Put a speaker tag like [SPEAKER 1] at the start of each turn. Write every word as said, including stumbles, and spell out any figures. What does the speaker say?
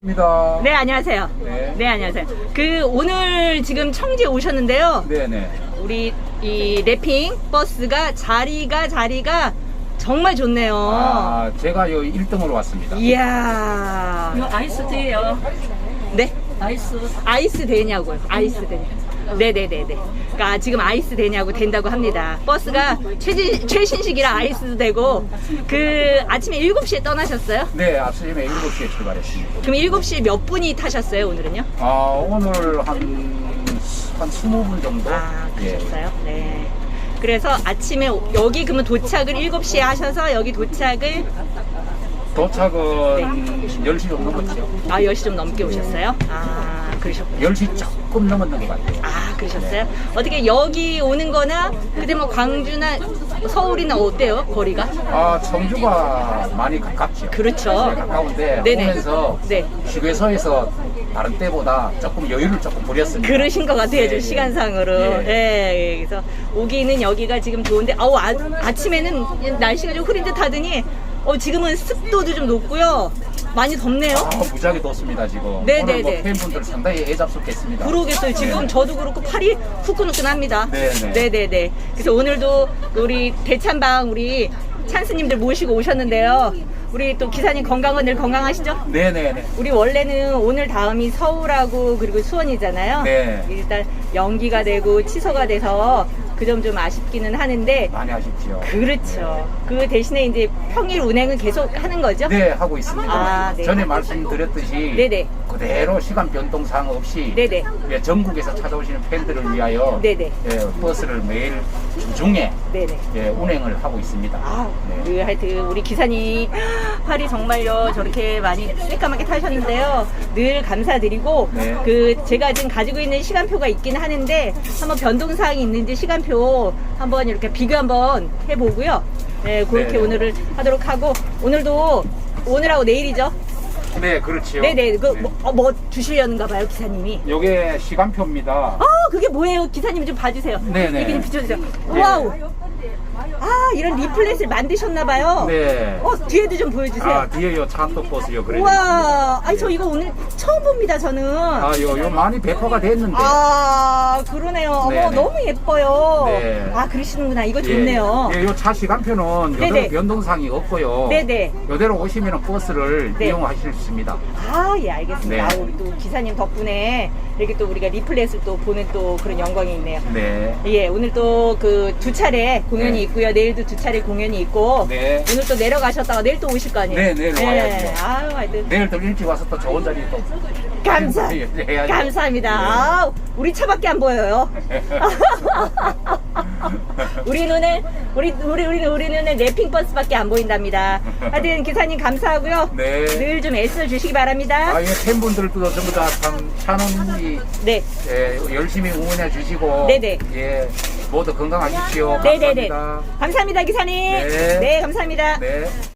[SPEAKER 1] 입니다.
[SPEAKER 2] 네, 안녕하세요.
[SPEAKER 1] 네.
[SPEAKER 2] 네, 안녕하세요. 그 오늘 지금 청주에 오셨는데요.
[SPEAKER 1] 네네.
[SPEAKER 2] 우리 이 랩핑 버스가 자리가 자리가 정말 좋네요.
[SPEAKER 1] 아, 제가 요 일 등으로 왔습니다.
[SPEAKER 2] 이야.
[SPEAKER 3] 이거 아이스 테예요.
[SPEAKER 2] 네?
[SPEAKER 3] 아이스.
[SPEAKER 2] 아이스 되냐고요. 아이스 되냐. 네네네네. 그러니까 지금 아이스 되냐고 된다고 합니다. 버스가 최진, 최신식이라 아이스도 되고, 그 아침에 일곱 시에 떠나셨어요?
[SPEAKER 1] 네, 아침에 일곱 시에 출발했습니다.
[SPEAKER 2] 그럼 일곱 시에 몇 분이 타셨어요, 오늘은요?
[SPEAKER 1] 아, 오늘 한, 한 이십 분 정도?
[SPEAKER 2] 아,
[SPEAKER 1] 예.
[SPEAKER 2] 그러셨어요? 네. 그래서 아침에 여기 그러면 도착을 일곱 시에 하셔서 여기 도착을
[SPEAKER 1] 도착은 열 시 좀 넘었죠.
[SPEAKER 2] 아, 열 시 좀 넘게 오셨어요? 아, 그러셨군요.
[SPEAKER 1] 열 시 조금 넘었는 것 같아요.
[SPEAKER 2] 아, 그러셨어요? 어떻게 여기 오는 거나 그때 뭐 광주나 서울이나 어때요? 거리가?
[SPEAKER 1] 아, 청주가 많이 가깝죠.
[SPEAKER 2] 그렇죠.
[SPEAKER 1] 네, 가까운데
[SPEAKER 2] 네네.
[SPEAKER 1] 오면서
[SPEAKER 2] 네.
[SPEAKER 1] 휴게소에서 다른 때보다 조금 여유를 조금 부렸습니다.
[SPEAKER 2] 그러신 것 같아요,
[SPEAKER 1] 예,
[SPEAKER 2] 좀
[SPEAKER 1] 예.
[SPEAKER 2] 시간상으로.
[SPEAKER 1] 예.
[SPEAKER 2] 예, 예. 그래서 오기는 여기가 지금 좋은데, 아우, 아, 아침에는 날씨가 좀 흐린 듯 하더니, 어, 지금은 습도도 좀 높고요. 많이 덥네요.
[SPEAKER 1] 아, 무지하게 덥습니다, 지금.
[SPEAKER 2] 네,
[SPEAKER 1] 오늘
[SPEAKER 2] 네,
[SPEAKER 1] 뭐
[SPEAKER 2] 네.
[SPEAKER 1] 팬분들 상당히 애잡스럽겠습니다.
[SPEAKER 2] 그러겠어요. 지금
[SPEAKER 1] 네.
[SPEAKER 2] 저도 그렇고 팔이 후끈후끈합니다.
[SPEAKER 1] 네네.
[SPEAKER 2] 네네네. 그래서 오늘도 우리 대찬방 우리 찬스님들 모시고 오셨는데요. 우리 또 기사님 건강은 늘 건강하시죠?
[SPEAKER 1] 네네네.
[SPEAKER 2] 우리 원래는 오늘 다음이 서울하고 그리고 수원이잖아요.
[SPEAKER 1] 네.
[SPEAKER 2] 일단 연기가 되고 취소가 돼서 그 점 좀 아쉽기는 하는데,
[SPEAKER 1] 많이 아쉽죠.
[SPEAKER 2] 그렇죠. 그 대신에 이제 평일 운행은 계속 하는 거죠?
[SPEAKER 1] 네, 하고 있습니다.
[SPEAKER 2] 아, 네.
[SPEAKER 1] 전에 말씀드렸듯이
[SPEAKER 2] 네네.
[SPEAKER 1] 그대로 시간 변동사항 없이
[SPEAKER 2] 네네.
[SPEAKER 1] 예, 전국에서 찾아오시는 팬들을 위하여
[SPEAKER 2] 네네.
[SPEAKER 1] 예, 버스를 매일 주중에
[SPEAKER 2] 네네.
[SPEAKER 1] 예, 운행을 하고 있습니다.
[SPEAKER 2] 아,
[SPEAKER 1] 네.
[SPEAKER 2] 그 하여튼 우리 기사님 팔이 정말요 저렇게 많이 새까맣게 타셨는데요. 늘 감사드리고,
[SPEAKER 1] 네.
[SPEAKER 2] 그 제가 지금 가지고 있는 시간표가 있긴 하는데 한번 변동사항이 있는지 시간표 한번 이렇게 비교 한번 해보고요. 네, 그렇게
[SPEAKER 1] 네.
[SPEAKER 2] 오늘을 하도록 하고, 오늘도 오늘하고 내일이죠.
[SPEAKER 1] 네, 그렇지요.
[SPEAKER 2] 네네. 그
[SPEAKER 1] 네.
[SPEAKER 2] 뭐, 어, 뭐 주시려는가 봐요, 기사님이.
[SPEAKER 1] 요게 시간표입니다.
[SPEAKER 2] 아, 그게 뭐예요? 기사님 좀 봐주세요.
[SPEAKER 1] 네네.
[SPEAKER 2] 이렇게 좀 비춰주세요.
[SPEAKER 1] 네.
[SPEAKER 2] 와우. 아, 이런 리플렛을 만드셨나봐요.
[SPEAKER 1] 네.
[SPEAKER 2] 어, 뒤에도 좀 보여주세요.
[SPEAKER 1] 아, 뒤에 요 차도 버스요. 그래.
[SPEAKER 2] 우와, 아니 저 이거 오늘 처음 봅니다, 저는.
[SPEAKER 1] 아, 요, 요 많이 배포가 됐는데.
[SPEAKER 2] 아, 그러네요. 어머,
[SPEAKER 1] 네네.
[SPEAKER 2] 너무 예뻐요.
[SPEAKER 1] 네.
[SPEAKER 2] 아, 그러시는구나. 이거
[SPEAKER 1] 예.
[SPEAKER 2] 좋네요.
[SPEAKER 1] 예, 요 차 시간표는
[SPEAKER 2] 네네.
[SPEAKER 1] 요대로 변동사항이 없고요.
[SPEAKER 2] 네네.
[SPEAKER 1] 요대로 오시면 버스를
[SPEAKER 2] 네.
[SPEAKER 1] 이용하실 수 있습니다.
[SPEAKER 2] 아, 예, 알겠습니다.
[SPEAKER 1] 네.
[SPEAKER 2] 아, 우리 또 기사님 덕분에 이렇게 또 우리가 리플렛을 또 보는 또 그런 영광이 있네요.
[SPEAKER 1] 네.
[SPEAKER 2] 예, 오늘 또 그 두 차례 공연이
[SPEAKER 1] 네.
[SPEAKER 2] 있고요. 내일도 두 차례 공연이 있고.
[SPEAKER 1] 네.
[SPEAKER 2] 오늘 또 내려가셨다가 내일 또 오실 거 아니에요?
[SPEAKER 1] 네, 내일 와야죠.
[SPEAKER 2] 아유, 하여튼.
[SPEAKER 1] 내일 또 일찍 와서 또 좋은 자리 또.
[SPEAKER 2] 감사,
[SPEAKER 1] 네, 해야죠.
[SPEAKER 2] 감사합니다.
[SPEAKER 1] 네.
[SPEAKER 2] 아, 우리 차밖에 안 보여요. 우리 눈에, 우리, 우리, 우리, 우리 눈에 랩핑 버스밖에 안 보인답니다. 하여튼 기사님 감사하고요.
[SPEAKER 1] 네.
[SPEAKER 2] 늘 좀 애써 주시기 바랍니다.
[SPEAKER 1] 아, 예, 팬분들도 전부 다 참, 찬원이,
[SPEAKER 2] 네.
[SPEAKER 1] 예, 열심히 응원해 주시고.
[SPEAKER 2] 네네.
[SPEAKER 1] 예, 모두 건강하십시오.
[SPEAKER 2] 네네네.
[SPEAKER 1] 감사합니다.
[SPEAKER 2] 감사합니다, 기사님.
[SPEAKER 1] 네.
[SPEAKER 2] 네, 감사합니다.
[SPEAKER 1] 네.